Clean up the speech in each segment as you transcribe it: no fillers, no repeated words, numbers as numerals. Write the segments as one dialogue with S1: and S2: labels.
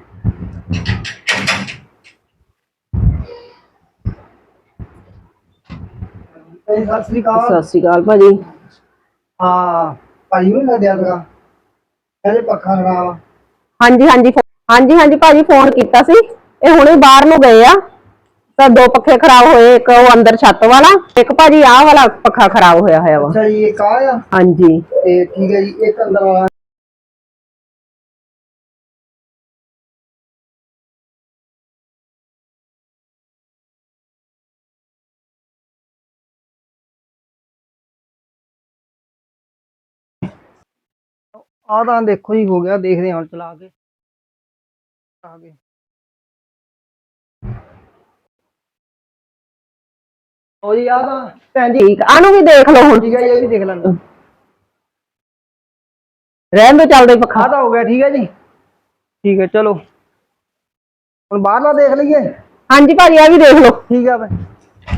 S1: सत श्री अकाल।
S2: सत श्री अकाल भाजी।
S1: हाँ भाजी नहीं लग गया था कहते पक्खा खराब।
S2: हाँ जी हाँ जी हाँ जी हाँ जी भाजी फोन किया सी ये हुणे बाहर नूं गए आ तो दो पखे खराब होए एक वो अंदर छत वाला एक भाजी आह वाला पखा खराब होया होया वा।
S1: अच्छा ये कहा है।
S2: हाँ जी
S1: ठीक है जी एक अंदर वाला आधा देखो जी हो गया देख रहे हैं चला के आगे। ओ जी आधा भैन जी
S2: ठीक आनू भी देख लो हुण
S1: ठीक है ये भी देख लेना
S2: रहन दो चलदे पखा।
S1: आधा हो गया ठीक है जी ठीक है चलो हम बाहरला देख लीजिए।
S2: हाँ जी भाजी आ भी देख लो।
S1: ठीक है भाई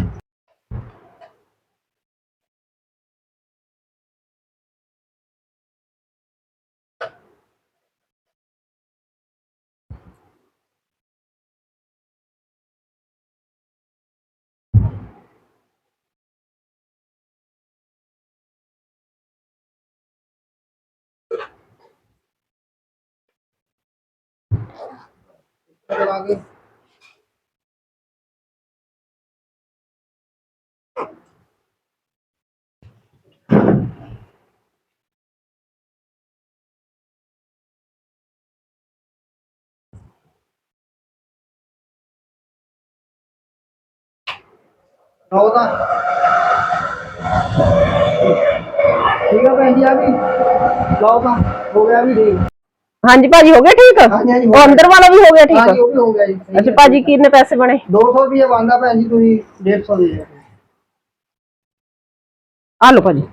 S1: आगे होगा ठीक है भैन जी अभी लाओगा हो गया अभी ठीक।
S2: हाँ जी भाजी हो गया ठीक।
S1: हाँ जी, हाँ जी, हो
S2: वो
S1: गया।
S2: अंदर वाला भी हो गया
S1: हाँ जी
S2: ठीक।
S1: वो भी हो गया जी सही
S2: अच्छा
S1: है।
S2: भाजी कितने पैसे बने?
S1: 200 रुपये बनता भैन जी तुम 150 दे दो।
S2: आ लो भाजी।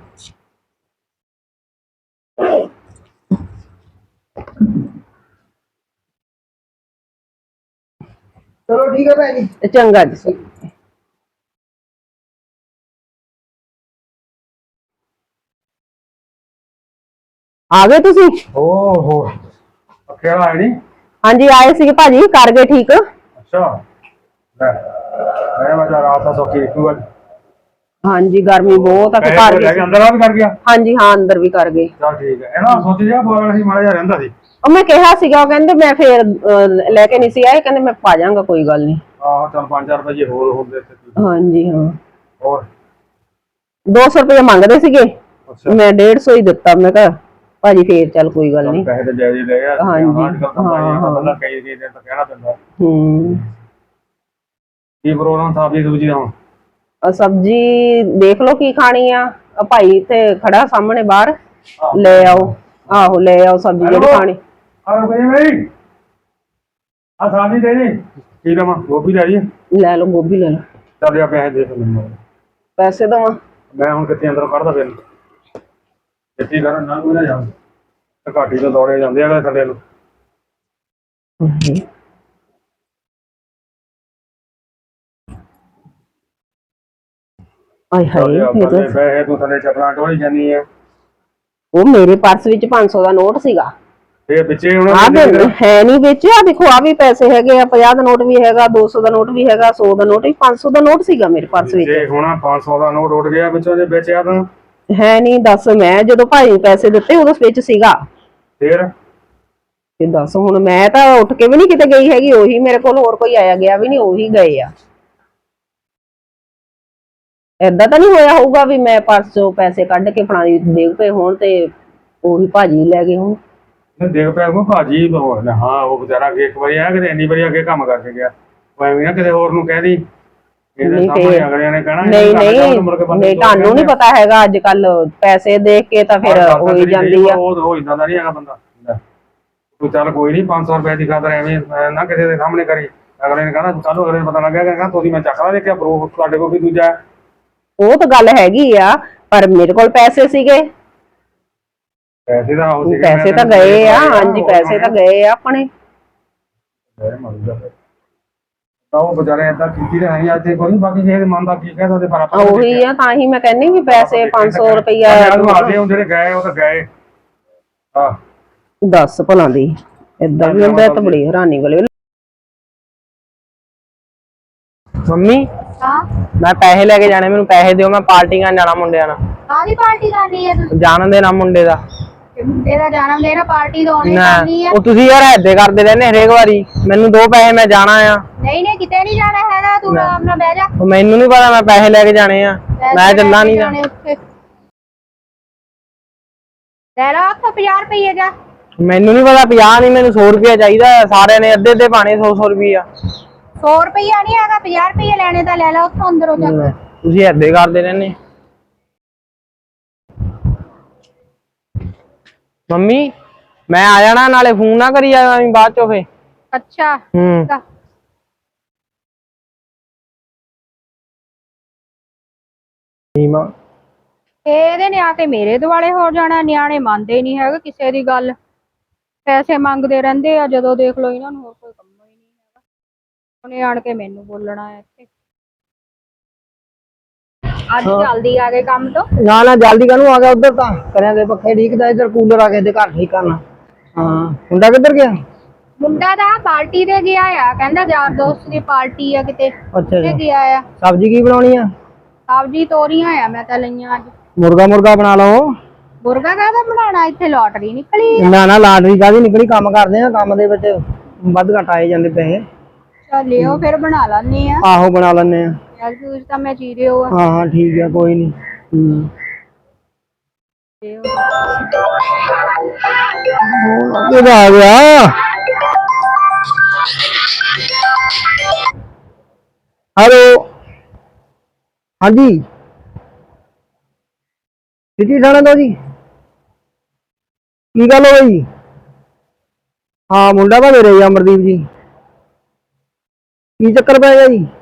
S1: चलो ठीक है भैन जी
S2: चंगा जी। आ गए तुसी?
S3: ओहो क्या है नहीं।
S2: हाँ जी आए सी भाजी कर गए ठीक।
S3: अच्छा मैं बचा रहा था सौखी निकलूगा।
S2: हाँ जी गर्मी बहुत है घर भी।
S3: अंदर आ भी कर गया।
S2: हाँ जी हाँ अंदर भी कर गए।
S3: चल ठीक है ना सोच जा बोलना सी माड़ा जा रहंदा सी।
S2: ਉਹ ਮੈਂ ਕਿਹਾ ਸੀਗਾ ਉਹ ਕਹਿੰਦੇ ਮੈਂ ਫੇਰ ਲੈ ਕੇ ਨਹੀਂ ਸੀ ਆਏ ਕਹਿੰਦੇ ਮੈਂ ਪਾ ਜਾਵਾਂਗਾ ਕੋਈ ਗੱਲ ਨਹੀਂ।
S3: ਆਹ ਚਲ 5-4 ਰੁਪਏ ਹੋਰ ਹੁੰਦੇ ਤੇ।
S2: ਹਾਂਜੀ ਹਾਂ
S3: ਹੋਰ
S2: 200 ਰੁਪਏ ਮੰਗਦੇ ਸੀਗੇ ਮੈਂ 150 ਹੀ ਦਿੱਤਾ ਮੈਂ ਕਿਹਾ ਭਾਜੀ ਫੇਰ ਚੱਲ ਕੋਈ ਗੱਲ ਨਹੀਂ।
S3: ਪੈਸੇ ਤੇ ਜਾਇਜ਼ ਲੈ ਆ।
S2: ਹਾਂਜੀ
S3: ਹਾਂ ਬੰਦਾ ਕਈ ਦਿਨ ਤਾਂ ਕਹਿਣਾ ਪੈਂਦਾ। ਕੀ ਪ੍ਰੋਗਰਾਮ ਸਾਬੀ ਸਬਜੀ ਦਾ
S2: ਸਬਜੀ ਦੇਖ ਲਓ ਕੀ ਖਾਣੀ ਆ ਭਾਈ ਇੱਥੇ ਖੜਾ ਸਾਹਮਣੇ ਬਾਹਰ ਲੈ ਆਓ। ਆਹੋ ਲੈ ਆਓ ਸਬਜੀ ਜਿਹੜੀ ਖਾਣੀ।
S3: ਆ ਰੁਪਏ ਮੇਰੀ ਆ ਸਾਬੀ ਦੇ ਦੇ ਕੀ ਦਵਾਂ ਗੋਭੀ ਲੈ ਲਈ
S2: ਲੈ ਲਓ ਗੋਭੀ ਲੈ ਲਓ।
S3: ਚੱਲ ਆ ਪੈਸੇ ਦੇ ਮੈਨੂੰ
S2: ਪੈਸੇ ਦਵਾਂ
S3: ਮੈਂ ਹੁਣ ਕਿੱਥੇ ਅੰਦਰੋਂ ਕੱਢਦਾ ਫਿਰ ਕਿੱਥੇ ਕਰਨ ਨਾ ਕੋਈ ਨਾ ਜਾ ਘਾਟੀ ਤੋਂ ਦੌੜੇ ਜਾਂਦੇ ਆ ਥੱਲੇ ਨੂੰ।
S2: ਆਏ ਹਾਏ
S3: ਪੈਸੇ ਤੂੰ ਥੱਲੇ ਚੱਪਲਾਂ ਢੋਲੀ ਜਾਨੀ ਆ।
S2: ਉਹ ਮੇਰੇ ਪਰਸ ਵਿੱਚ 500 ਦਾ ਨੋਟ ਸੀਗਾ।
S3: ਇਹ ਵਿੱਚੇ ਹੁਣ
S2: ਹੈ ਨਹੀਂ ਵਿੱਚ ਆ ਦੇਖੋ ਆ ਵੀ ਪੈਸੇ ਹੈਗੇ ਆ 50 ਦਾ ਨੋਟ ਵੀ ਹੈਗਾ 200 ਦਾ ਨੋਟ ਵੀ ਹੈਗਾ 100 ਦਾ ਨੋਟ ਵੀ 500 ਦਾ ਨੋਟ ਸੀਗਾ ਮੇਰੇ ਪਰਸ ਵਿੱਚ।
S3: ਜੇ ਹੁਣ 500 ਦਾ ਨੋਟ ਉੱਡ ਗਿਆ ਵਿੱਚੋਂ ਜੇ ਵੇਚਿਆ ਤਾਂ
S2: ਹੈ ਨਹੀਂ ਦੱਸ ਮੈਂ ਜਦੋਂ ਭਾਈ ਪੈਸੇ ਦਿੱਤੇ ਉਦੋਂ ਵਿੱਚ ਸੀਗਾ
S3: ਫਿਰ
S2: ਤੇ ਦੱਸ ਹੁਣ ਮੈਂ ਤਾਂ ਉੱਠ ਕੇ ਵੀ ਨਹੀਂ ਕਿਤੇ ਗਈ ਹੈਗੀ ਉਹੀ ਮੇਰੇ ਕੋਲ ਹੋਰ ਕੋਈ ਆਇਆ ਗਿਆ ਵੀ ਨਹੀਂ ਉਹੀ ਗਏ ਆ। ਏਦਾਂ ਤਾਂ ਨਹੀਂ ਹੋਇਆ ਹੋਊਗਾ ਵੀ ਮੈਂ ਪਰਸ ਚੋਂ ਪੈਸੇ ਕੱਢ ਕੇ ਫੜਾ ਦੇ ਪਏ ਹੋਣ ਤੇ ਉਹੀ ਭਾਜੀ ਲੈ ਗਏ ਹੋਣ।
S3: ਦੇਖ ਪਿਆ ਕੋ ਭਾਜੀ ਹਾਂ ਉਹ ਵਿਚਾਰਾ ਇੱਕ ਵਾਰੀ ਆਇਆ ਕਿਤੇ ਇੰਨੀ ਵਾਰੀ ਅੱਗੇ ਕੰਮ ਕਰਕੇ ਗਿਆ ਉਹ ਐਵੇਂ ਨਾ ਕਿਤੇ ਹੋਰ ਨੂੰ ਕਹਿ ਦੀ ਇਹਦੇ ਸਾਹਮਣੇ ਅਗਲਿਆਂ ਨੇ ਕਹਿਣਾ
S2: ਨਹੀਂ ਤੁਹਾਨੂੰ ਨਹੀਂ ਪਤਾ ਹੈਗਾ ਅੱਜ ਕੱਲ ਪੈਸੇ ਦੇਖ ਕੇ ਤਾਂ ਫਿਰ ਹੋਈ ਜਾਂਦੀ ਆ।
S3: ਉਹ ਇਦਾਂ ਦਾ ਨਹੀਂ ਹੈਗਾ ਬੰਦਾ ਤੂੰ ਚੱਲ ਕੋਈ ਨਹੀਂ 500 ਰੁਪਏ ਦੀ ਖਾਤਰ ਐਵੇਂ ਨਾ ਕਿਸੇ ਦੇ ਸਾਹਮਣੇ ਕਰੀ ਅਗਲੇ ਨੇ ਕਹਿਣਾ ਕੱਲ ਅਗਲੇ ਨੂੰ ਪਤਾ ਲੱਗਿਆ ਕਹਿੰਦਾ ਤੁਸੀਂ ਮੈਂ ਚੱਕਦਾ ਦੇਖਿਆ ਪ੍ਰੂਫ ਤੁਹਾਡੇ ਕੋਲ ਵੀ ਦੂਜਾ। ਉਹ
S2: ਤਾਂ ਗੱਲ ਹੈਗੀ ਆ ਪਰ ਮੇਰੇ ਕੋਲ ਪੈਸੇ ਸੀਗੇ
S3: ਪੈਸੇ
S2: ਤਾਂ ਗਏ ਆ। ਹਾਂਜੀ ਪੈਸੇ ਤਾਂ ਗਏ ਆ ਆਪਣੇ।
S3: ਉਹ ਵਿਚਾਰੇ ਏਦਾਂ ਕੀਤੀ ਤੇ ਨਹੀਂ ਅੱਜ ਕੋਈ ਬਾਕੀ ਕਿਸੇ ਮਨ ਦਾ ਕੀ ਕਹਿ ਸਕਦੇ ਪਰ ਆਪਾਂ
S2: ਉਹੀ ਆ ਤਾਂ ਹੀ ਮੈਂ ਕਹਿੰਨੀ ਵੀ ਪੈਸੇ 500 ਰੁਪਇਆ
S3: ਜਿਹੜੇ ਗਏ ਉਹ ਤਾਂ ਗਏ। ਹਾਂ
S2: ਦੱਸ ਭਲਾਂ ਦੀ ਏਦਾਂ ਵੀ ਹੁੰਦਾ ਤਾਂ ਬੜੀ ਹੈਰਾਨੀ ਵਾਲੀ। ਮੰਮੀ
S4: ਹਾਂ
S2: ਮੈਂ ਪੈਸੇ ਲੈ ਕੇ ਜਾਣੇ, ਮੈਨੂੰ ਪੈਸੇ ਦਿਓ, ਮੈਂ ਪਾਰਟੀ ਕਰਨ ਜਾਣਾ ਮੁੰਡਿਆਂ ਨਾਲ।
S4: ਕਾਹਦੀ ਪਾਰਟੀ ਕਰਨੀ ਹੈ ਤੁਸੀਂ?
S2: ਜਨਮ ਦਿਨ ਆ ਮੁੰਡੇ ਦਾ।
S4: ਮੁੰਡੇ ਦਾ ਜਨਮ ਦਿਨ ਆ, ਪਾਰਟੀ ਤਾਂ ਉਹਨੇ
S2: ਨਾ
S4: ਕਰਨੀ ਆ।
S2: ਉਹ ਤੁਸੀਂ ਯਾਰ ਏਦਾਂ ਕਰਦੇ ਰਹਿੰਦੇ ਹਰੇਕ ਵਾਰੀ। ਮੈਨੂੰ ਦੋ ਪੈਸੇ, ਮੈਂ ਜਾਣਾ ਆ।
S4: ਨਹੀਂ ਨਹੀਂ ਕਿਤੇ ਨਹੀਂ ਜਾਣਾ ਹੈਗਾ, ਤੂੰ ਆਰਾਮ ਨਾਲ ਬਹਿ ਜਾ।
S2: ਉਹ ਮੈਨੂੰ ਨਹੀਂ ਪਤਾ, ਮੈਂ ਪੈਸੇ ਲੈ ਕੇ ਜਾਣੇ ਆ, ਮੈਂ ਚੱਲਾਂ ਨਹੀਂ ਗਾ।
S4: ਲੈ ਲਾ 50 ਰੁਪਏ ਜਾ।
S2: ਮੈਨੂੰ ਨਹੀਂ ਪਤਾ 50 ਨਹੀਂ, ਮੈਨੂੰ 100 ਰੁਪਇਆ ਚਾਹੀਦਾ। ਸਾਰਿਆਂ ਨੇ ਅੱਧੇ ਅੱਧੇ ਪਾਣੇ, 100 ਰੁਪਇਆ।
S4: 100 ਰੁਪਇਆ ਨਹੀਂ ਹੈਗਾ, 50 ਰੁਪਏ ਲੈਣੇ ਤਾਂ ਲੈ ਲਾ ਉੱਥੋਂ ਅੰਦਰੋਂ ਜਾ ਕੇ।
S2: ਤੁਸੀਂ ਏਦਾਂ ਕਰਦੇ ਰਹਿੰਦੇ। ਮੰਮੀ ਮੈਂ ਆ ਜਾਣਾ, ਨਾਲੇ ਫੋਨ ਨਾ ਕਰੀ ਜਾਵਾਂ ਬਾਅਦ ਚੋਂ ਫੇ।
S4: ਅੱਛਾ ਇਹਦੇ ਨੇ ਆ ਕੇ ਮੇਰੇ ਦੁਆਲੇ ਹੋ ਜਾਣਾ। ਨਿਆਣੇ ਮੰਨਦੇ ਨਹੀਂ ਹੈਗੇ ਕਿਸੇ ਦੀ ਗੱਲ, ਪੈਸੇ ਮੰਗਦੇ ਰਹਿੰਦੇ ਆ। ਜਦੋਂ ਦੇਖ ਲਓ ਇਹਨਾਂ ਨੂੰ ਹੋਰ ਕੋਈ ਕੰਮ ਹੀ ਨਹੀਂ ਹੈਗਾ, ਉਹਨੇ ਆਣ ਕੇ ਮੈਨੂੰ ਬੋਲਣਾ ਹੈ ਇੱਥੇ। ਅੱਜ ਜਲਦੀ ਆ ਗਏ ਕੰਮ ਤੋਂ?
S1: ਨਾ ਨਾ ਜਲਦੀ ਕਾਹਨੂੰ ਆ ਗਿਆ, ਉਧਰ ਤਾਂ ਕਰਿਆ ਦੇ ਪੱਖੇ ਠੀਕ ਤਾਂ, ਇੱਧਰ ਕੂਲਰ ਆ ਕੇ ਦੇ ਘਰ ਠੀਕ ਕਰਨਾ। ਹਾਂ ਮੁੰਡਾ ਕਿੱਧਰ ਗਿਆ?
S4: ਮੁੰਡਾ ਦਾ ਪਾਰਟੀ ਤੇ ਗਿਆ ਆ, ਕਹਿੰਦਾ ਯਾਰ ਦੋਸਤ ਦੀ ਪਾਰਟੀ ਆ ਕਿਤੇ,
S1: ਅੱਛਾ
S4: ਤੇ
S1: ਜੀ।
S4: ਗਿਆ ਆ।
S1: ਸਬਜ਼ੀ ਕੀ ਬਣਾਉਣੀ ਆ?
S4: ਸਬਜ਼ੀ ਤੋਰੀਆਂ ਆ, ਮੈਂ ਤਾਂ ਲਈਆਂ ਅੱਜ।
S1: ਮੁਰਗਾ ਬਣਾ ਲਓ।
S4: ਮੁਰਗਾ ਕਾਹਦਾ ਬਣਾਉਣਾ, ਇੱਥੇ ਲੋਟਰੀ ਨਿਕਲੀ ਆ।
S1: ਨਾ ਨਾ ਲਾਟਰੀ ਕਾਹਦੀ ਨਿਕਲੀ, ਕੰਮ ਕਰਦੇ ਆ, ਕੰਮ ਦੇ ਵਿੱਚ ਵੱਧ ਘੱਟ ਆਏ ਜਾਂਦੇ ਪੈਸੇ।
S4: ਚੱਲਿਓ ਫਿਰ ਬਣਾ ਲੈਣੇ ਆ।
S1: ਆਹੋ ਬਣਾ ਲੈਣੇ ਆ।
S4: ਯਾਰ ਤੂੰ ਤਾਂ ਮੈਂ ਚੀਰਿਓ ਆ।
S1: ਹਾਂ ਹਾਂ ਠੀਕ ਆ, ਕੋਈ ਨਹੀਂ। ਕਿਹਦਾ ਆ ਗਿਆ? ਹੈਲੋ ਹਾਂਜੀ ਸਿੱਧੀ ਥਾਣੇ ਤੋਂ ਜੀ। ਕੀ ਗੱਲ ਹੋ ਗਈ? ਹਾਂ ਮੁੰਡਾ ਤਾਂ ਮੇਰੇ ਹੀ ਅਮਰਦੀਪ ਜੀ। ਕੀ ਚੱਕਰ ਪੈ ਗਿਆ ਜੀ?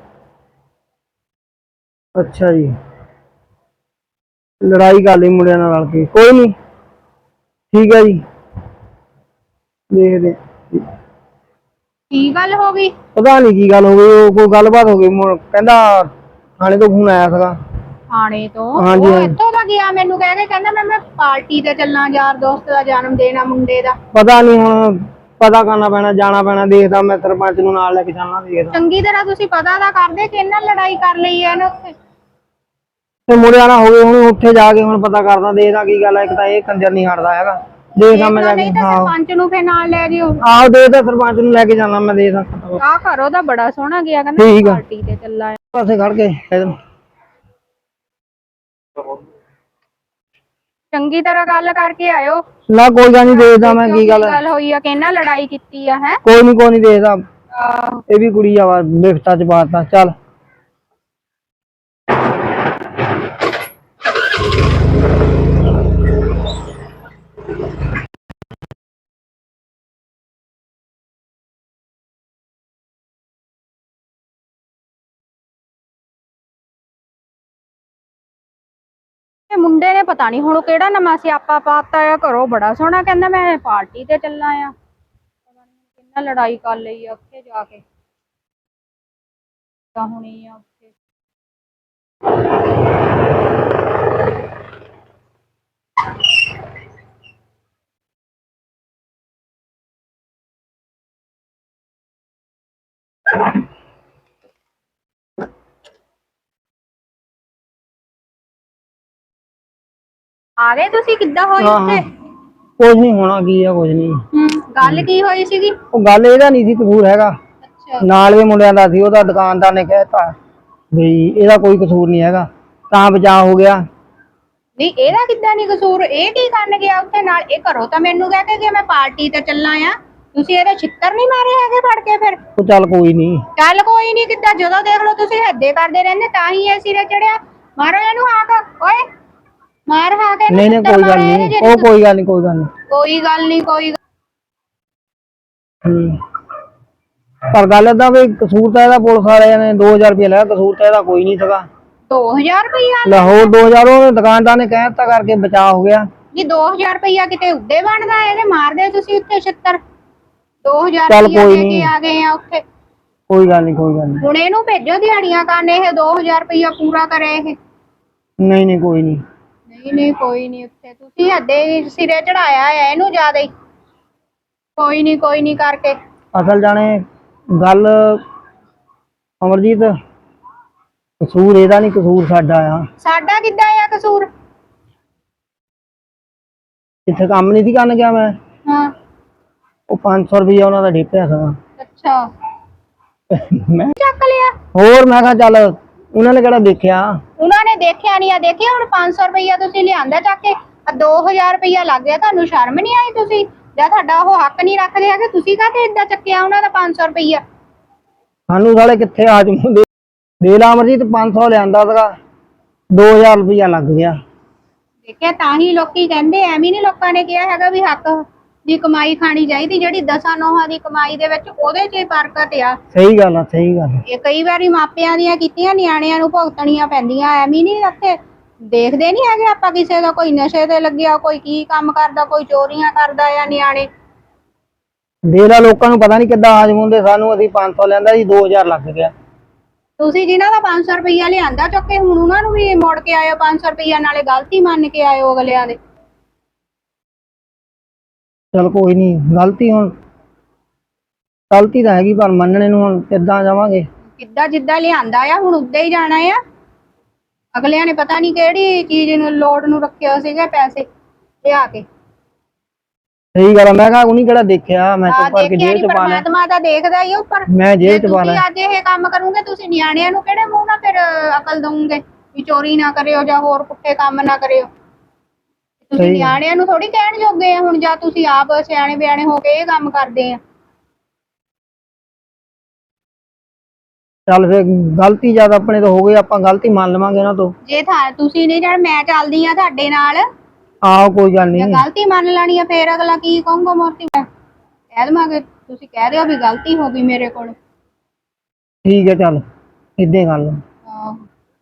S1: ਅੱਛਾ ਜੀ, ਲੜਾਈ ਕਰ ਲਈ ਮੁੰਡਿਆਂ ਨਾਲ ਰਲ ਕੇ। ਕੋਈ ਨਹੀਂ ਠੀਕ ਹੈ ਜੀ, ਦੇਖਦੇ।
S4: ਕੀ ਗੱਲ ਹੋ ਗਈ?
S1: ਪਤਾ ਨਹੀਂ ਕੀ ਗੱਲ ਹੋ ਗਈ, ਉਹ ਕੋਈ ਗੱਲਬਾਤ ਹੋ ਗਈ। ਕਹਿੰਦਾ ਥਾਣੇ ਤੋਂ ਫੋਨ ਆਇਆ ਸੀਗਾ।
S4: ਥਾਣੇ ਤੋਂ?
S1: ਹਾਂਜੀ,
S4: ਉਹ
S1: ਹਾਂਜੀ।
S4: ਇੱਥੋਂ ਦਾ ਗਿਆ, ਮੈਨੂੰ ਕਹਿ ਕੇ ਕਹਿੰਦਾ ਮੈਂ ਪਾਰਟੀ ਤੇ ਚੱਲਾਂ, ਯਾਰ ਦੋਸਤ ਦਾ ਜਨਮ ਦਿਨ ਆ ਮੁੰਡੇ ਦਾ।
S1: ਪਤਾ ਨਹੀਂ, ਹੁਣ ਪਤਾ ਕਰਨਾ ਪੈਣਾ, ਜਾਣਾ ਪੈਣਾ। ਦੇਖਦਾ ਮੈਂ ਸਰਪੰਚ ਨੂੰ ਨਾਲ ਲੈ ਕੇ ਜਾਣਾ, ਦੇਖਦਾ।
S4: ਚੰਗੀ ਤਰ੍ਹਾਂ ਤੁਸੀਂ ਪਤਾ ਤਾਂ ਕਰਦੇ ਕਿ ਇਹਨਾਂ ਲੜਾਈ ਕਰ ਲਈ ਐ ਇਹਨੇ ਉੱਥੇ।
S1: ਤੇ ਮੁੰਡਿਆਂ ਨਾਲ ਹੋ ਗਏ, ਹੁਣ ਉੱਥੇ ਜਾ ਕੇ ਹੁਣ ਪਤਾ ਕਰਦਾ, ਦੇਖਦਾ ਕੀ ਗੱਲ ਹੈ। ਇੱਕ ਤਾਂ ਇਹ ਕੰਜਰ ਨਹੀਂ ਹਟਦਾ ਹੈਗਾ, ਦੇਖਦਾ ਮੈਂ ਜਾ ਕੇ।
S4: ਨਹੀਂ ਤਾਂ ਸਰਪੰਚ ਨੂੰ ਫੇਰ ਨਾਲ ਲੈ ਜਿਓ।
S1: ਆਹੋ ਦੇਖਦਾ, ਸਰਪੰਚ ਨੂੰ ਲੈ ਕੇ ਜਾਣਾ ਮੈਂ, ਦੇਖਦਾ।
S4: ਆਹ ਘਰੋਂ ਦਾ ਬੜਾ ਸੋਹਣਾ ਗਿਆ, ਕਹਿੰਦਾ
S1: ਠੀਕ ਆ।
S4: ਪਾਰਟੀ ਤੇ ਚੱਲਾ ਆ।
S1: ਪਾਸੇ ਖੜ ਕੇ
S4: ਚੰਗੀ ਤਰ੍ਹਾਂ ਗੱਲ ਕਰਕੇ ਆਇਓ।
S1: ਨਾ ਕੋਈ ਗੱਲ ਨਹੀਂ, ਦੇਖਦਾ ਮੈਂ ਕੀ ਗੱਲ
S4: ਹੋਈ ਆ ਕਿ ਇਹਨਾਂ ਲੜਾਈ ਕੀਤੀ ਆ। ਹੈ
S1: ਕੋਈ ਨਹੀਂ ਦੇਖਦਾ।
S4: ਆਹੋ
S1: ਇਹ ਵੀ ਕੁੜੀ ਆ, ਬਿਫਤਾ ਚ ਪਾਤਾ। ਚੱਲ
S4: ਮੁੰਡੇ ਨੇ ਪਤਾ ਨਹੀਂ ਹੁਣ ਕਿਹੜਾ ਨਵਾਂ ਸਿਆਪਾ ਪਾਤਾ ਆ। ਘਰੋਂ ਬੜਾ ਸੋਹਣਾ ਕਹਿੰਦਾ ਮੈਂ ਪਾਰਟੀ ਤੇ ਚੱਲਾਂ ਆ, ਪਤਾ ਨਹੀਂ ਕਿੰਨਾ ਲੜਾਈ ਕਰ ਲਈ ਆ ਉੱਥੇ ਜਾ ਕੇ। ਤਾਂ ਹੁਣੀ ਆ ਉੱਥੇ। ਆ ਗਏ ਤੁਸੀਂ? ਕਿੱਦਾਂ ਹੋਈ ਉੱਥੇ?
S1: ਕੁਝ ਨਹੀਂ ਹੋਣਾ, ਕੀ ਆ ਕੁਝ ਨਹੀਂ।
S4: ਗੱਲ ਕੀ ਹੋਈ ਸੀਗੀ?
S1: ਉਹ ਗੱਲ ਇਹਦਾ ਨਹੀਂ ਸੀ ਕਸੂਰ ਹੈਗਾ,
S4: ਅੱਛਾ
S1: ਨਾਲ ਦੇ ਮੁੰਡਿਆਂ ਦਾ ਸੀ। ਉਹਦਾ ਦੁਕਾਨਦਾਰ ਨੇ ਕਹਿਤਾ ਵੀ ਇਹਦਾ ਕੋਈ ਕਸੂਰ ਨਹੀਂ ਹੈਗਾ, ਤਾਂ ਬਚਾਅ ਹੋ ਗਿਆ।
S4: ਨਹੀਂ ਇਹਦਾ ਕਿੱਦਾਂ ਨਹੀਂ ਕਸੂਰ? ਇਹ ਕੀ ਕਰਨ ਗਿਆ ਉੱਥੇ ਨਾਲ? ਇਹ ਘਰੋਂ ਤਾਂ ਮੈਨੂੰ ਕਹਿ ਕੇ ਗਿਆ ਮੈਂ ਪਾਰਟੀ ਤੇ ਚੱਲਾਂ ਆ। ਤੁਸੀਂ ਇਹਦੇ ਛਿੱਤਰ ਨਹੀਂ ਮਾਰੇ ਹੈਗੇ ਫੜ ਕੇ? ਫਿਰ
S1: ਉਹ ਚੱਲ ਕੋਈ ਨਹੀਂ।
S4: ਚੱਲ ਕੋਈ ਨਹੀਂ ਕਿੱਦਾਂ? ਜਦੋਂ ਦੇਖ ਲਓ ਤੁਸੀਂ ਹੱਦੇ ਕਰਦੇ ਰਹਿੰਦੇ, ਤਾਂ ਹੀ ਇਹ ਸਿਰੇ ਚੜਿਆ। ਮਾਰੋ ਇਹਨੂੰ ਹਾਕ, ਓਏ ਮਾਰ ਹਾਕ ਇਹਨੂੰ।
S1: ਨਹੀਂ ਕੋਈ ਗੱਲ ਨਹੀਂ, ਉਹ ਕੋਈ ਗੱਲ ਨਹੀਂ, ਕੋਈ ਗੱਲ ਨਹੀਂ।
S4: ਕੋਈ ਗੱਲ ਨਹੀਂ, ਕੋਈ
S1: ਪਰ ਗੱਲ ਏਦਾਂ ਵੀ ਕਸੂਰ ਤਾਂ ਇਹਦਾ ਪੁਲਿਸ ਵਾਲਿਆਂ ਨੇ 2000 ਰੁਪਏ ਲਿਆ, ਕਸੂਰ ਤਾਂ ਇਹਦਾ ਕੋਈ ਨਹੀਂ ਸੀਗਾ।
S4: 2000 ਰੁਪਇਆ?
S1: ਲਾਹੌਰ 2000 ਉਹ ਦੁਕਾਨਦਾਰ ਨੇ ਕਹਿ ਦਿੱਤਾ ਕਰਕੇ ਬਚਾਅ ਹੋ ਗਿਆ।
S4: ਜੀ 2000 ਰੁਪਇਆ ਕਿਤੇ ਉੱਦੇ ਬਣਦਾ? ਇਹਦੇ ਮਾਰਦੇ ਤੁਸੀਂ ਉੱਥੇ ਛਿੱਤਰ। 2000
S1: ਚੱਲ
S4: ਰੁਪਇਆ
S1: ਕੋਈ
S4: ਲੈ ਕੇ
S1: ਨਹੀਂ।
S4: ਆ ਗਏ ਆ ਉੱਥੇ।
S1: ਕੋਈ ਗੱਲ ਨਹੀਂ, ਕੋਈ ਗੱਲ ਨਹੀਂ।
S4: ਹੁਣ ਇਹਨੂੰ ਭੇਜੋ ਦਿਹਾੜੀਆਂ ਕਰਨ, ਇਹ 2000 ਰੁਪਇਆ ਪੂਰਾ ਕਰੇ ਇਹ।
S1: ਨਹੀਂ ਕੋਈ ਨਹੀਂ।
S4: ਨਹੀਂ ਕੋਈ ਨਹੀਂ, ਉੱਥੇ ਤੁਸੀਂ ਹੱਦੇ ਸਿਰੇ ਚੜਾਇਆ ਹੈ ਇਹਨੂੰ ਜ਼ਿਆਦਾ ਹੀ। ਕੋਈ ਨਹੀਂ ਕਰਕੇ।
S1: ਅਸਲ ਜਾਣੇ ਗੱਲ ਅਮਰਜੀਤ, ਕਸੂਰ ਇਹਦਾ ਨਹੀਂ, ਕਸੂਰ ਸਾਡਾ ਆ।
S4: ਸਾਡਾ ਕਿੱਦਾਂ ਆ ਕਸੂਰ?
S1: ਇੱਥੇ ਕੰਮ ਨਹੀਂ ਸੀ ਕਰਨ ਗਿਆ ਮੈਂ,
S4: ਹਾਂ
S1: ਉਹ 500 ਰੁਪਇਆ ਉਹਨਾਂ ਦਾ ਡਿੱਪਿਆ ਸੀਗਾ।
S4: ਅੱਛਾ
S1: ਮੈਂ
S4: ਚੱਕ ਲਿਆ।
S1: ਹੋਰ ਮੈਂ ਕਿਹਾ ਚੱਲ ਉਹਨਾਂ ਨੇ ਕਿਹੜਾ ਦੇਖਿਆ।
S4: ਉਹਨਾਂ ਨੇ ਦੇਖਿਆ ਨਹੀਂ ਆ, ਦੇਖਿਆ ਹੁਣ 500 ਰੁਪਇਆ ਤੁਸੀਂ ਲਿਆਂਦਾ ਚੱਕ ਕੇ, 2000 ਰੁਪਇਆ ਲੱਗ ਗਿਆ। ਤੁਹਾਨੂੰ ਸ਼ਰਮ ਨਹੀਂ ਆਈ? ਤੁਸੀਂ ਜਾਂ ਤੁਹਾਡਾ ਉਹ ਹੱਕ ਨਹੀਂ ਰੱਖਦੇ ਹੈਗੇ, ਤੁਸੀਂ ਕਾਹਤੇ ਏਦਾਂ ਚੱਕਿਆ ਉਹਨਾਂ ਦਾ 500 ਰੁਪਇਆ?
S1: ਸਾਨੂੰ ਸਾਲੇ ਕਿੱਥੇ ਆ ਜੂਦੇ ਦੇ ਲਾ ਅਮਰਜੀਤ, 500 ਲਿਆਂਦਾ ਸੀਗਾ, 2000 ਰੁਪਇਆ ਲੱਗ ਗਿਆ।
S4: ਦੇਖਿਆ, ਤਾਂ ਹੀ ਲੋਕੀ ਕਹਿੰਦੇ, ਐਵੇਂ ਨਹੀਂ ਲੋਕਾਂ ਨੇ ਕਿਹਾ ਹੈਗਾ ਵੀ ਹੱਕ ਦੀ ਕਮਾਈ ਖਾਣੀ ਚਾਹੀਦੀ। ਜਿਹੜੀ 10 ਨੋਹਾਂ ਦੀ ਕਮਾਈ ਦੇ ਵਿੱਚ ਉਹਦੇ 'ਚ ਹੀ ਬਰਕਤ ਆ।
S1: ਸਹੀ ਗੱਲ ਆ, ਸਹੀ ਗੱਲ।
S4: ਇਹ ਕਈ ਵਾਰੀ ਮਾਪਿਆਂ ਦੀਆਂ ਕੀਤੀਆਂ ਨਿਆਣਿਆਂ ਨੂੰ ਭੁਗਤਣੀਆਂ ਪੈਂਦੀਆਂ। ਐਵੇਂ ਨਹੀਂ ਇੱਥੇ ਦੇਖਦੇ ਨਹੀਂ ਹੈਗੇ ਆਪਾਂ ਕਿਸੇ ਦਾ ਕੋਈ ਨਸ਼ੇ ਤੇ ਲੱਗਿਆ, ਕੋਈ ਕੀ ਕੰਮ ਕਰਦਾ, ਕੋਈ ਚੋਰੀਆਂ ਕਰਦਾ ਆ ਨਿਆਣੇ।
S1: ਦੇ ਲਾ ਲੋਕਾਂ ਨੂੰ ਪਤਾ ਨਹੀਂ ਕਿੱਦਾਂ ਆ ਜੂਦੇ, ਸਾਨੂੰ ਅਸੀਂ 500 ਲੈਂਦਾ ਸੀ, 2000 ਲੱਗ ਗਿਆ।
S4: ਤੁਸੀਂ ਜਿਨ੍ਹਾਂ ਦਾ 500 ਰੁਪਇਆ ਲਿਆਂਦਾ ਚੁੱਕ ਕੇ, ਹੁਣ ਉਹਨਾਂ ਨੂੰ ਵੀ ਮੋੜ ਕੇ ਆਇਓ 500 ਰੁਪਇਆ, ਨਾਲੇ ਗਲਤੀ ਮੰਨ ਕੇ ਆਇਓ ਅਗਲਿਆਂ ਦੇ।
S1: ਚਲ ਕੋਈ ਨਹੀਂ, ਗਲਤੀ ਹੁਣ ਗਲਤੀ ਤਾਂ ਹੈਗੀ, ਪਰ ਮੰਨਣੇ ਨੂੰ ਹੁਣ ਕਿੱਦਾਂ ਜਾਵਾਂਗੇ?
S4: ਕਿੱਦਾਂ ਜਿੱਦਾਂ ਲਿਆਂਦਾ ਆ ਹੁਣ ਉੱਦਾਂ ਹੀ ਜਾਣਾ ਆ। ਅਗਲਿਆਂ ਨੇ ਪਤਾ ਨਹੀਂ ਕਿਹੜੀ ਚੀਜ਼ ਨੂੰ ਲੋੜ ਨੂੰ ਰੱਖਿਆ ਸੀਗਾ ਪੈਸੇ ਲਿਆ ਕੇ।
S1: ਸਹੀ ਗੱਲ ਆ, ਮੈਂ ਕਿਹਾ ਉਹਨੇ ਕਿਹੜਾ ਦੇਖਿਆ, ਮੈਂ ਚੁੱਪ ਕਰਕੇ
S4: ਦੇਖਿਆ
S1: ਜੇਲ੍ਹ
S4: ਨਹੀਂ,
S1: ਚ ਪਾ ਲਿਆ।
S4: ਪਰਮਾਤਮਾ ਤਾਂ ਦੇਖਦਾ ਹੀ ਉੱਪਰ।
S1: ਮੈਂ ਜੇਲ੍ਹ ਚ ਪਾ
S4: ਤੁਸੀਂ
S1: ਲਿਆ।
S4: ਅੱਜ ਇਹ ਕੰਮ ਕਰੋਗੇ, ਤੁਸੀਂ ਨਿਆਣਿਆਂ ਨੂੰ ਕਿਹੜੇ ਮੂੰਹ ਨਾਲ ਫਿਰ ਅਕਲ ਦਵੋਗੇ ਵੀ ਚੋਰੀ ਨਾ ਕਰਿਓ ਜਾਂ ਹੋਰ ਪੁੱਠੇ ਕੰਮ ਨਾ ਕਰਿਓ? ਤੁਸੀਂ ਨਿਆਣਿਆਂ ਨੂੰ ਥੋੜੀ ਕਹਿਣ ਜੋਗੇ ਆ ਹੁਣ, ਜਾਂ ਤੁਸੀਂ ਆਪ ਸਿਆਣੇ ਬਿਆਣੇ ਹੋ ਕੇ ਇਹ ਕੰਮ ਕਰਦੇ ਆ।
S1: ਚੱਲ ਫਿਰ ਗਲਤੀ ਜਦ ਆਪਣੇ ਤੋਂ ਹੋ ਗਈ, ਆਪਾਂ ਗਲਤੀ ਮੰਨ ਲਵਾਂਗੇ ਉਹਨਾਂ ਤੋਂ।
S4: ਜੇ ਤੁਸੀਂ ਨਹੀਂ ਜਾਣ, ਮੈਂ ਚੱਲਦੀ ਆ ਤੁਹਾਡੇ ਨਾਲ।
S1: ਆਹੋ ਕੋਈ ਗੱਲ
S4: ਜੇ
S1: ਨਹੀਂ।
S4: ਗਲਤੀ ਮੰਨ ਲੈਣੀ ਆ, ਫੇਰ ਅਗਲਾ ਕੀ ਕਹੂੰਗਾ? ਮੂਰਤੀ ਮੈਂ ਕਹਿ ਦੇਵਾਂਗੇ, ਤੁਸੀਂ ਕਹਿ ਦਿਓ ਵੀ ਗਲਤੀ ਹੋ ਗਈ ਮੇਰੇ ਕੋਲ।
S1: ਠੀਕ ਹੈ, ਚੱਲ ਏਦਾਂ ਹੀ ਗੱਲ।
S4: ਆਹੋ।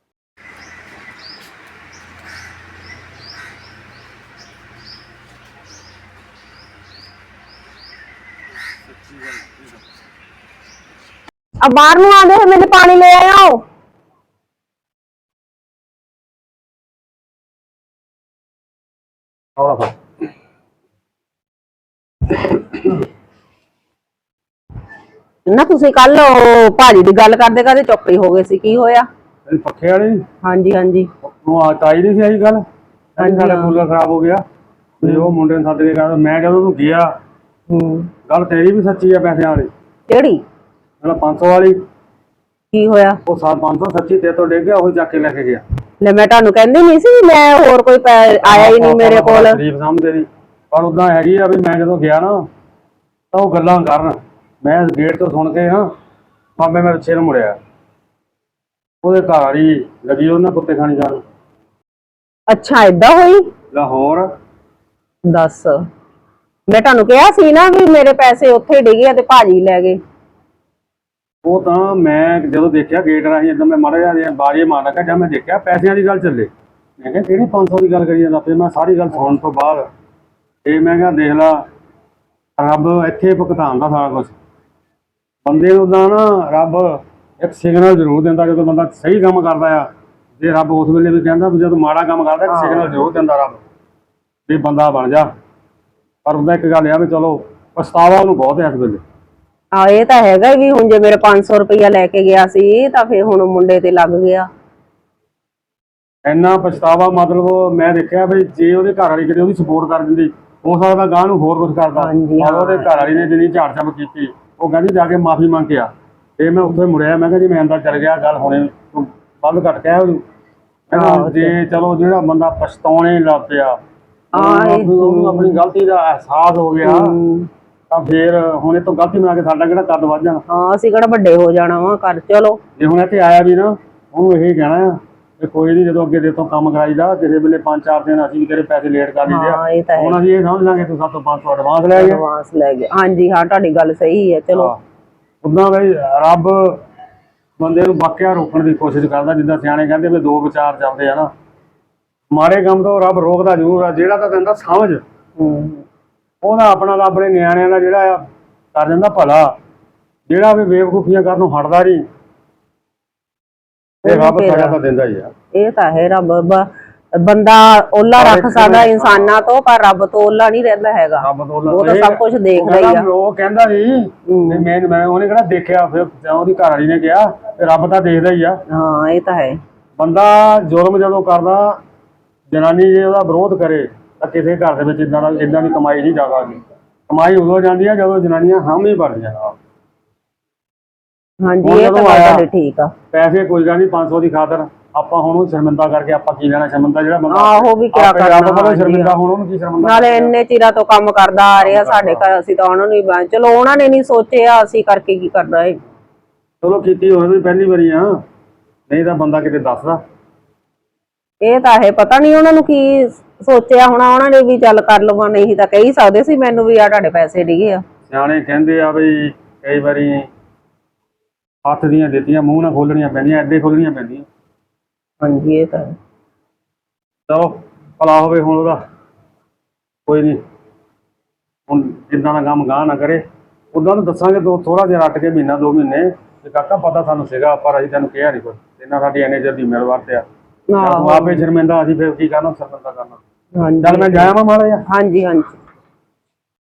S2: अब बाहर ਨੂੰ ਆਂਦੇ ਹੋਏ ਮੈਨੂੰ ਪਾਣੀ ਲੈ ਆਓ।
S3: ਆਉਣਾ ਫਿਰ
S2: ਨਾ ਤੁਸੀਂ ਕੱਲ ਭਾਜੀ ਦੀ ਗੱਲ ਕਰਦੇ ਕਰਦੇ ਚੁੱਪ ਹੀ ਹੋ ਗਏ ਸੀ, ਕੀ ਹੋਇਆ?
S3: ਇਹ ਪੱਖੇ ਵਾਲੀ
S2: ਹਾਂਜੀ ਹਾਂਜੀ
S3: ਉਹ ਆ ਤਾਈ ਨਹੀਂ ਸੀ ਆਈ ਗੱਲ, ਸਾਡਾ ਕੂਲਰ ਖਰਾਬ ਹੋ ਗਿਆ ਤੇ ਉਹ ਮੁੰਡੇ ਨੂੰ ਸੱਦ ਕੇ ਕਹਿੰਦਾ, ਮੈਂ ਜਦੋਂ ਉਹਨੂੰ ਗਿਆ ਗੱਲ ਤੇਰੀ ਵੀ ਸੱਚੀ ਆ ਪੈਸਿਆਂ ਵਾਲੀ।
S2: ਕਿਹੜੀ?
S3: ਮੇਰਾ 500 ਵਾਲੀ।
S2: ਕੀ ਹੋਇਆ?
S3: ਉਹ 500 ਸੱਚੀ ਤੇ ਤੋਂ ਡਿੱਗ ਗਿਆ, ਉਹ ਚੱਕ ਕੇ ਲੈ ਕੇ ਗਿਆ।
S2: ਲੈ ਮੈਂ ਤੁਹਾਨੂੰ ਕਹਿੰਦੀ ਨਹੀਂ ਸੀ, ਮੈਂ ਹੋਰ ਕੋਈ ਆਇਆ ਹੀ ਨਹੀਂ ਮੇਰੇ ਕੋਲ।
S3: ਸ਼ਰੀਫ ਸਮਝਦੇ ਸੀ, ਪਰ ਉਦਾਂ ਹੈਗੀ ਆ ਵੀ ਮੈਂ ਜਦੋਂ ਗਿਆ ਨਾ ਤਾਂ ਉਹ ਗੱਲਾਂ ਕਰਨ, ਮੈਂ ਗੇਟ ਤੋਂ ਸੁਣ ਕੇ ਨਾ ਮਾਮੇ ਮੈਂ ਪਿੱਛੇ ਨੂੰ ਮੁੜਿਆ, ਉਹਦੇ ਘਰ ਵਾਲੀ ਲੱਗੀ ਉਹਨਾਂ ਕੁੱਤੇ ਖਾਣੀ ਕਰਨ।
S2: ਅੱਛਾ ਏਦਾਂ ਹੋਈ?
S3: ਲਾਹੌਰ
S2: ਦੱਸ, ਮੈਂ ਤੁਹਾਨੂੰ ਕਿਹਾ ਸੀ ਨਾ ਵੀ ਮੇਰੇ ਪੈਸੇ ਉੱਥੇ ਡਿੱਗੇ ਤੇ ਭਾਜੀ ਲੈ ਗਏ।
S3: ਉਹ ਤਾਂ ਮੈਂ ਜਦੋਂ ਦੇਖਿਆ ਗੇਟ ਰਾਹੀਂ ਇਦਾਂ ਮੈਂ ਮਾੜਾ ਜਿਹਾ ਬਾਰੀਏ ਮਾਰ ਲੱਗਾ, ਜਦ ਮੈਂ ਦੇਖਿਆ ਪੈਸਿਆਂ ਦੀ ਗੱਲ ਚੱਲੇ, ਮੈਂ ਕਿਹਾ ਕਿਹੜੀ 500 ਦੀ ਗੱਲ ਕਰੀ ਜਾਂਦਾ। ਫਿਰ ਮੈਂ ਸਾਰੀ ਗੱਲ ਸੁਣਨ ਤੋਂ ਬਾਅਦ ਇਹ ਮੈਂ ਕਿਹਾ ਦੇਖ ਲਾ, ਰੱਬ ਇੱਥੇ ਭੁਗਤਾਉਂਦਾ ਸਾਰਾ ਕੁਛ ਬੰਦੇ ਨੂੰ। ਤਾਂ ਨਾ ਰੱਬ ਇੱਕ ਸਿਗਨਲ ਜ਼ਰੂਰ ਦਿੰਦਾ ਜਦੋਂ ਬੰਦਾ ਸਹੀ ਕੰਮ ਕਰਦਾ ਆ। ਜੇ ਰੱਬ ਉਸ ਵੇਲੇ ਵੀ ਕਹਿੰਦਾ ਵੀ ਜਦੋਂ ਮਾੜਾ ਕੰਮ ਕਰਦਾ ਇੱਕ ਸਿਗਨਲ ਜ਼ਰੂਰ ਦਿੰਦਾ ਰੱਬ ਵੀ ਬੰਦਾ ਬਣ ਜਾ। ਪਰ ਉਹਦਾ ਇੱਕ ਗੱਲ ਆ ਵੀ ਚਲੋ ਪਛਤਾਵਾ ਉਹਨੂੰ ਬਹੁਤ ਹੈ ਇਸ ਵੇਲੇ।
S2: ਆ ਇਹ ਤਾਂ ਹੈਗਾ ਵੀ ਹੁਣ ਜੇ ਮੇਰੇ 500 ਰੁਪਇਆ ਲੈ ਕੇ ਗਿਆ ਸੀ ਤਾਂ ਫਿਰ ਹੁਣ ਮੁੰਡੇ ਤੇ ਲੱਗ ਗਿਆ।
S3: ਇੰਨਾ ਪਛਤਾਵਾ, ਮਤਲਬ ਮੈਂ ਦੇਖਿਆ ਵੀ ਜੇ ਉਹਦੇ ਘਰ ਵਾਲੀ ਕਿਤੇ ਉਹਦੀ ਸਪੋਰਟ ਕਰ ਦਿੰਦੀ, ਹੋ ਸਕਦਾ ਗਾਂ ਨੂੰ ਹੋਰ ਕੁਝ ਕਰਦਾ। ਪਰ ਉਹਦੇ ਘਰ ਵਾਲੀ ਨੇ ਜਿੰਨੀ ਝਾੜ ਝਪ ਕੀਤੀ, ਉਹ ਕਹਿੰਦੀ ਜਾ ਕੇ ਮਾਫੀ ਮੰਗ ਕੇ ਆ। ਤੇ ਮੈਂ ਉੱਥੇ ਮੁੜਿਆ, ਮੈਂ ਕਿਹਾ ਜੀ ਮੈਂ ਅੰਦਰ ਚੱਲ ਗਿਆ, ਗੱਲ ਹੁਣੇ ਬੰਦ ਘੱਟ ਗਿਆ ਉਹਨੂੰ। ਜੇ ਚਲੋ ਜਿਹੜਾ ਬੰਦਾ ਪਛਤਾਉਣੇ ਲੱਗ ਪਿਆ, ਉਹਨੂੰ ਆਪਣੀ ਗਲਤੀ ਦਾ ਅਹਿਸਾਸ ਹੋ ਗਿਆ, ਤਾਂ ਫੇਰ ਹੁਣ ਇਹ ਤੋਂ ਗਲਤੀ ਬਣਾ ਕੇ ਸਾਡਾ ਕਿਹੜਾ ਕੱਦ ਵੱਧ ਜਾਣਾ।
S2: ਹਾਂ ਅਸੀਂ ਕਿਹੜਾ ਵੱਡੇ ਹੋ ਜਾਣਾ ਵਾ ਕਰ। ਚਲੋ
S3: ਜੇ ਹੁਣ ਇੱਥੇ ਆਇਆ ਵੀ ਨਾ, ਉਹਨੂੰ ਇਹੀ ਕਹਿਣਾ ਆ ਕਿ ਕੋਈ ਨਹੀਂ, ਜਦੋਂ ਅੱਗੇ ਦੇ ਤੋਂ ਕੰਮ ਕਰਾਈਦਾ ਕਿਸੇ ਵੇਲੇ 5-4 ਦਿਨ ਅਸੀਂ ਵੀ ਤੇਰੇ ਪੈਸੇ ਲੇਟ ਕਰ ਦਿੰਦੇ ਆ। ਹੁਣ ਅਸੀਂ ਇਹ ਸਮਝ ਲਾਂਗੇ ਤੂੰ ਸਾਡੇ ਤੋਂ 500 ਐਡਵਾਂਸ ਲੈ ਗਿਆ।
S2: ਐਡਵਾਂਸ ਲੈ ਗਿਆ, ਹਾਂਜੀ ਹਾਂ ਤੁਹਾਡੀ ਗੱਲ ਸਹੀ ਹੈ। ਚਲੋ
S3: ਉਦਾਂ ਬਈ ਰੱਬ ਬੰਦੇ ਨੂੰ ਵਾਕਿਆ ਰੋਕਣ ਦੀ ਕੋਸ਼ਿਸ਼ ਕਰਦਾ, ਜਿੱਦਾਂ ਸਿਆਣੇ ਕਹਿੰਦੇ ਵੀ 2 ਵਿਚਾਰ ਚੱਲਦੇ ਆ ਨਾ, ਮਾੜੇ ਕੰਮ ਤੋਂ ਰੱਬ ਰੋਕਦਾ ਜ਼ਰੂਰ ਆ। ਜਿਹੜਾ ਤਾਂ ਦਿੰਦਾ ਸਮਝ, ਉਹਦਾ ਆਪਣਾ ਤਾਂ ਆਪਣੇ ਨਿਆਣਿਆਂ ਦਾ ਜਿਹੜਾ ਆ ਕਰ ਦਿੰਦਾ ਭਲਾ। ਜਿਹੜਾ ਵੀ ਬੇਵਕੂਫੀਆਂ ਕਰਨ ਨੂੰ ਹਟਦਾ ਨਹੀਂ, ਇਹ ਰੱਬ ਸਜ਼ਾ ਤਾਂ ਦਿੰਦਾ ਹੀ ਆ।
S2: ਇਹ ਤਾਂ ਹੈ ਰੱਬ। ਬੰਦਾ ਓਲਾ ਰੱਖ ਸਕਦਾ ਇਨਸਾਨਾਂ ਤੋਂ, ਪਰ ਰੱਬ ਤੋਂ ਓਲਾ ਨਹੀਂ ਰਹਿੰਦਾ ਹੈਗਾ।
S3: ਰੱਬ ਤੋਂ
S2: ਉਹ ਤਾਂ ਸਭ ਕੁਝ ਦੇਖਦਾ ਹੀ ਆ।
S3: ਉਹ ਕਹਿੰਦਾ ਸੀ ਮੈਂ ਉਹਨੇ ਕਿਹੜਾ ਦੇਖਿਆ, ਫਿਰ ਉਹਦੀ ਘਰ ਵਾਲੀ ਨੇ ਕਿਹਾ ਤੇ ਰੱਬ ਤਾਂ ਦੇਖਦਾ ਹੀ ਆ।
S2: ਹਾਂ ਇਹ ਤਾਂ ਹੈ।
S3: ਬੰਦਾ ਜ਼ੁਲਮ ਜਦੋਂ ਕਰਦਾ, ਜਨਾਨੀ ਜੇ ਉਹਦਾ ਵਿਰੋਧ ਕਰੇ ਤਾਂ ਕਿਸੇ ਘਰ ਦੇ ਵਿੱਚ ਇਦਾਂ ਦੀ ਕਮਾਈ ਨਹੀਂ ਜਾਵਾਂਗੀ। ਕਮਾਈ ਉਦੋਂ ਜਾਂਦੀ ਆ ਜਦੋਂ ਜਨਾਨੀਆਂ ਹਾਮੀ ਭਰਦੀਆਂ ਨਾਲ।
S2: ਹਾਂਜੀ ਇਹ ਤਾਂ ਗੱਲ ਤੁਹਾਡੀ ਠੀਕ ਆ।
S3: ਪੈਸੇ ਕੋਈ ਗੱਲ ਨਹੀਂ, 500 ਦੀ ਖਾਤਰ ਆਪਾਂ ਹੁਣ ਉਹ ਸ਼ਰਮਿੰਦਾ ਕਰਕੇ ਆਪਾਂ ਕੀ ਲੈਣਾ। ਸ਼ਰਮਿੰਦਾ ਜਿਹੜਾ ਬੰਦਾ
S2: ਆਹੋ ਵੀ ਕਿਆ ਕਰਨਾ।
S3: ਸ਼ਰਮਿੰਦਾ, ਹੁਣ ਉਹਨੂੰ ਕੀ ਸ਼ਰਮਿੰਦਾ।
S2: ਨਾਲੇ ਇੰਨੇ ਚਿਰਾਂ ਤੋਂ ਕੰਮ ਕਰਦਾ ਆ ਰਿਹਾ ਸਾਡੇ ਘਰ, ਅਸੀਂ ਤਾਂ ਉਹਨਾਂ ਨੂੰ ਚਲੋ ਉਹਨਾਂ ਨੇ ਨਹੀਂ ਸੋਚਿਆ, ਅਸੀਂ ਕਰਕੇ ਕੀ ਕਰਨਾ ਹੈ।
S3: ਚਲੋ ਕੀਤੀ ਹੋਵੇ ਵੀ ਪਹਿਲੀ ਵਾਰੀ ਆ, ਨਹੀਂ ਤਾਂ ਬੰਦਾ ਕਿਤੇ ਦੱਸਦਾ।
S2: ਇਹ ਤਾਂ ਹੈ, ਪਤਾ ਨਹੀਂ ਉਹਨਾਂ ਨੂੰ ਕੀ ਸੋਚਿਆ ਹੋਣਾ ਉਹਨਾਂ ਨੇ ਵੀ ਚੱਲ ਕਰ ਲਵਾਂ, ਨਹੀਂ ਤਾਂ ਕਹਿ ਹੀ ਸਕਦੇ ਸੀ ਮੈਨੂੰ ਵੀ ਆ ਤੁਹਾਡੇ ਪੈਸੇ ਡਿੱਗੇ ਆ।
S3: ਸਿਆਣੇ ਕਹਿੰਦੇ ਆ ਬਈ ਕਈ ਵਾਰੀ ਹੱਥ ਦੀਆਂ ਦਿੱਤੀਆਂ ਮੂੰਹ ਨਾਲ ਖੋਲਣੀਆਂ ਪੈਂਦੀਆਂ, ਐਡੇ ਖੋਲਣੀਆਂ ਪੈਂਦੀਆਂ।
S2: ਹਾਂਜੀ ਇਹ ਤਾਂ ਹੈ।
S3: ਚਲੋ ਭਲਾ ਹੋਵੇ ਹੁਣ ਉਹਦਾ, ਕੋਈ ਨਹੀਂ। ਹੁਣ ਜਿੱਦਾਂ ਦਾ ਕੰਮ ਗਾਹ ਨਾ ਕਰੇ, ਉਦਾਂ ਨੂੰ ਦੱਸਾਂਗੇ ਥੋੜਾ ਜਿਹਾ ਰੱਟ ਕੇ ਮਹੀਨਾ 2 ਮਹੀਨੇ ਤੇ ਕਾਕਾ ਪਤਾ ਸਾਨੂੰ ਸੀਗਾ, ਪਰ ਅਸੀਂ ਤੈਨੂੰ ਕਿਹਾ ਨਹੀਂ ਕੁਝ। ਇਹਨਾਂ ਸਾਡੀ ਇੰਨੇ ਚਿਰ ਦੀ ਜ਼ਿੰਮੇਵਾਰ ਤੇ ਆ, ਆਪੇ ਸ਼ਰਮਿੰਦਾ, ਅਸੀਂ ਫਿਰ ਕੀ ਕਰਨਾ, ਸ਼ਰਮਿੰਦਾ ਕਰਨਾ। ਚੱਲ ਮੈਂ ਜਾਇਆ ਮਾੜਾ ਜਿਹਾ।
S2: ਹਾਂਜੀ ਹਾਂਜੀ।